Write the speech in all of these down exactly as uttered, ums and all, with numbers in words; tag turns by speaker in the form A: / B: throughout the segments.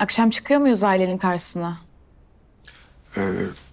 A: Akşam çıkıyor muyuz ailenin karşısına?
B: Ee,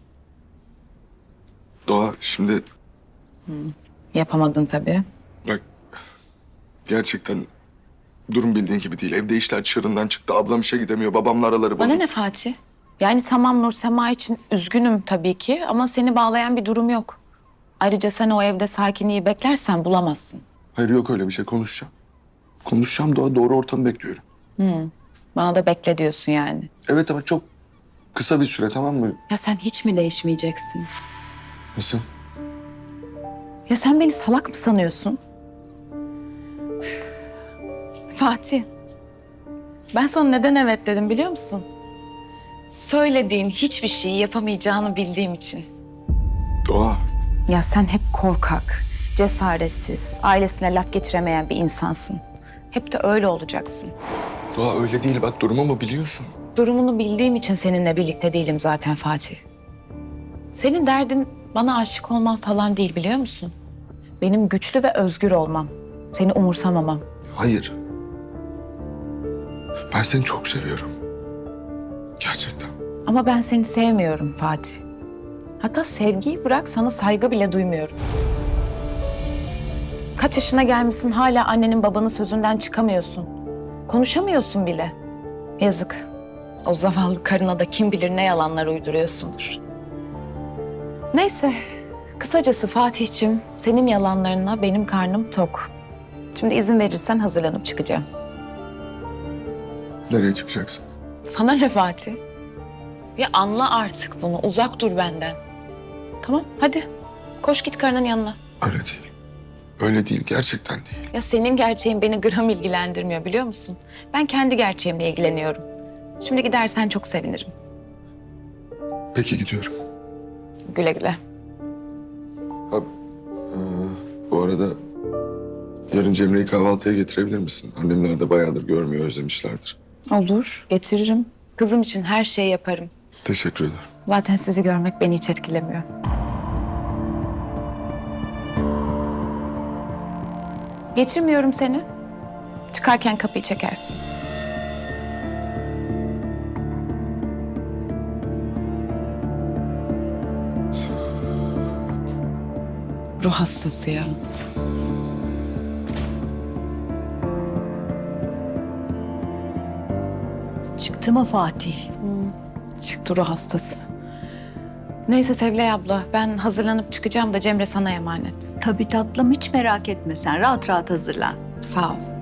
B: Doğa şimdi
A: Yapamadın tabii.
B: bak gerçekten durum bildiğin gibi değil. Evde işler çığırından çıktı. Ablam işe gidemiyor. Babamla araları
A: Bana
B: bozuk.
A: ne Fatih? Yani tamam Nur Sema için üzgünüm tabii ki ama seni bağlayan bir durum yok. Ayrıca sen o evde sakinliği beklersen bulamazsın.
B: Hayır yok öyle bir şey. Konuşacağım. Konuşacağım Doğa. Doğru ortamı bekliyorum.
A: Bana da bekle diyorsun yani.
B: Evet ama çok kısa bir süre, tamam mı?
A: Ya sen hiç mi değişmeyeceksin?
B: Nasıl?
A: Ya sen beni salak mı sanıyorsun? Fatih, ben sana neden evet dedim biliyor musun? Söylediğin hiçbir şeyi yapamayacağını bildiğim için.
B: Doğa.
A: Ya sen hep korkak, cesaretsiz, ailesine laf geçiremeyen bir insansın. Hep de öyle olacaksın.
B: Doğa öyle değil. Bak durumumu biliyorsun.
A: Durumunu bildiğim için seninle birlikte değilim zaten Fatih. Senin derdin bana aşık olman falan değil biliyor musun? Benim güçlü ve özgür olmam. Seni umursamamam.
B: Hayır. Ben seni çok seviyorum. Gerçekten.
A: Ama ben seni sevmiyorum Fatih. Hatta sevgiyi bırak sana saygı bile duymuyorum. Kaç yaşına gelmişsin hala annenin babanın sözünden çıkamıyorsun. Konuşamıyorsun bile. Yazık. O zavallı karına da kim bilir ne yalanlar uyduruyorsundur. Neyse. Kısacası Fatih'cim senin yalanlarına benim karnım tok. Şimdi izin verirsen hazırlanıp çıkacağım.
B: Nereye çıkacaksın?
A: Sana ne Fatih? Ya anla artık bunu. Uzak dur benden. Tamam hadi. Koş git karının yanına.
B: Öyle değil. Öyle değil. Gerçekten değil.
A: Ya senin gerçeğin beni gram ilgilendirmiyor biliyor musun? Ben kendi gerçeğimle ilgileniyorum. Şimdi gidersen çok sevinirim.
B: Peki gidiyorum.
A: Güle güle.
B: Ha, e, bu arada yarın Cemre'yi kahvaltıya getirebilir misin? Annemler de bayağıdır görmüyor, özlemişlerdir.
A: Olur, getiririm. Kızım için her şeyi yaparım.
B: Teşekkür ederim.
A: Zaten sizi görmek beni hiç etkilemiyor. Geçirmiyorum seni. Çıkarken kapıyı çekersin. Ruh hastası ya.
C: Çıktı mı Fatih?
A: Çıktı ruh hastası. Neyse Sevlay abla, ben hazırlanıp çıkacağım da Cemre sana emanet.
C: Tabii tatlım, hiç merak etme sen. Rahat rahat hazırlan.
A: Sağ ol.